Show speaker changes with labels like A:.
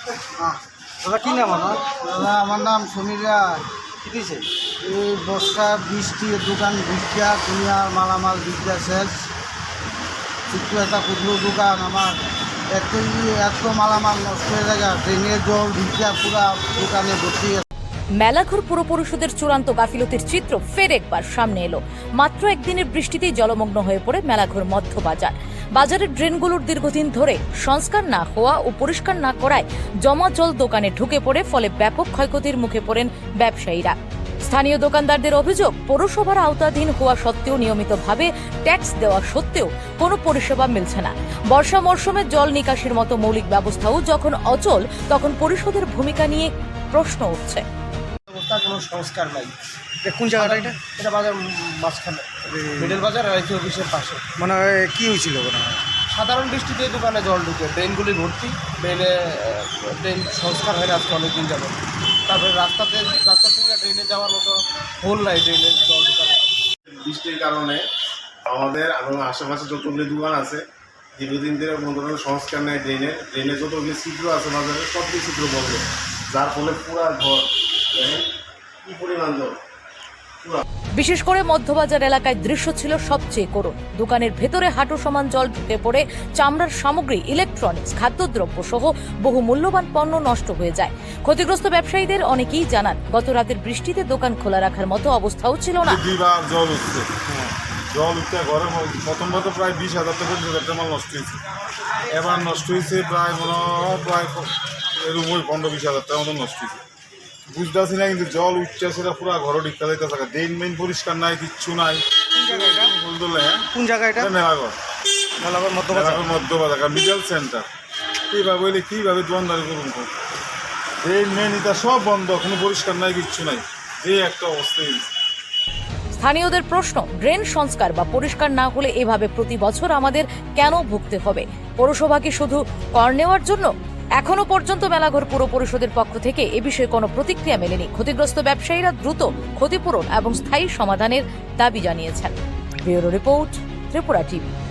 A: দাদা কি নাম আমার?
B: দাদা আমার নাম সমীর রায়।
A: কি দিয়েছে?
B: এই বর্ষা বৃষ্টি দোকান ভিক্ষা দুনিয়ার মালামাল ভিক্ষা শেষ। ছোট্ট একটা ক্ষুদ্র দোকান আমার এত মালামাল নষ্ট হয়ে যায়, ড্রেনের জল ভিক্ষা পুরা দোকানে ভর্তি।
C: মেলাঘর পুর পরিষদের চূড়ান্ত গাফিলতির চিত্র ফের একবার সামনে এলো। মাত্র একদিনের বৃষ্টিতেই জলমগ্ন হয়ে পড়ে মেলাঘর মধ্য বাজার। বাজারের ড্রেনগুলোর দীর্ঘদিন ধরে সংস্কার না হওয়া ও পরিষ্কার না করায় জমা জল দোকানে ঢুকে পড়ে, ফলে ব্যাপক ক্ষয়ক্ষতির মুখে পড়েন ব্যবসায়ীরা। স্থানীয় দোকানদারদের অভিযোগ, পৌরসভার আওতাধীন হওয়া সত্ত্বেও নিয়মিতভাবে ট্যাক্স দেওয়া সত্ত্বেও কোনো পরিষেবা মিলছে না। বর্ষা মরশুমে জল নিকাশির মতো মৌলিক ব্যবস্থাও যখন অচল, তখন পরিষদের ভূমিকা নিয়ে প্রশ্ন উঠছে।
A: কোনো সংস্কার নাই।
D: কোন জায়গাটা এটা?
A: এটা বাজার মাঝখানে, মিডল বাজার আর আইসি অফিসের পাশে।
D: মানে কি হয়েছিল ওখানে?
A: সাধারণ বৃষ্টিতে দোকানে জল ঢুকে, ড্রেনগুলি ভর্তি। ড্রেন সংস্কার হয় না আজকে অনেকদিন যাবে। তারপরে রাস্তা থেকে ড্রেনে যাওয়ার মতো হোল নাই, ড্রেনের জল ঢুকানো।
E: বৃষ্টির কারণে আমাদের আশেপাশে যতগুলি দোকান আছে দীর্ঘদিন ধরে কোনো সংস্কার নেই। ড্রেনে যতগুলি ছিদ্র আছে বাজারে সবগুলি ছিদ্র বন্ধ, যার ফলে পুরা ঘর কি পরিমাণ জল।
C: বিশেষ করে মধ্যবাজার এলাকায় দৃশ্য ছিল সবচেয়ে করুণ। দোকানের ভেতরে হাঁটু সমান জল ঢুকে পড়ে চামড়ার সামগ্রী, ইলেকট্রনিক্স, খাদ্যদ্রব্য সহ বহু মূল্যবান পণ্য নষ্ট হয়ে যায়। ক্ষতিগ্রস্ত ব্যবসায়ীদের অনেকেই জানান, গত রাতের বৃষ্টিতে দোকান খোলা রাখার মতো অবস্থাও ছিল না।
F: জল উঠছে, ঘরে প্রথমবার তো প্রায় 20,000 থেকে 25,000 মাল নষ্ট হয়েছে। এবার নষ্ট হয়েছে প্রায় এরকম 15-20,000 টাকার মতো নষ্ট হয়েছে। বুঝতে পারছি না, কিন্তু জল উঠছে সেটা পুরো ঘরে ঢিকা যাইতে থাকে। ড্রেন মেইন পরিষ্কার নাই, কিচ্ছু নাই।
D: কোন জায়গা এটা?
F: Melaghar,
D: Melaghar
F: Madhyabazar middle centre. এইভাবে হইলে কীভাবে দোকানদারি করুন? ড্রেন মেইন এটা সব বন্ধ, কোনো পরিষ্কার নাই, কিচ্ছু নাই। এই একটা অবস্থা।
C: স্থানীয়দের প্রশ্ন, ড্রেন সংস্কার বা পরিষ্কার না হলে এভাবে প্রতি বছর আমাদের কেন ভুগতে হবে? পৌরসভা কি শুধু কর নেওয়ার জন্য? এখনো পর্যন্ত মেলাঘর পুর পরিষদের পক্ষ থেকে এ বিষয়ে কোনো প্রতিক্রিয়া মেলেনি। ক্ষতিগ্রস্ত ব্যবসায়ীরা দ্রুত ক্ষতিপূরণ এবং স্থায়ী সমাধানের দাবি জানিয়েছেন। Bureau report, Tripura TV.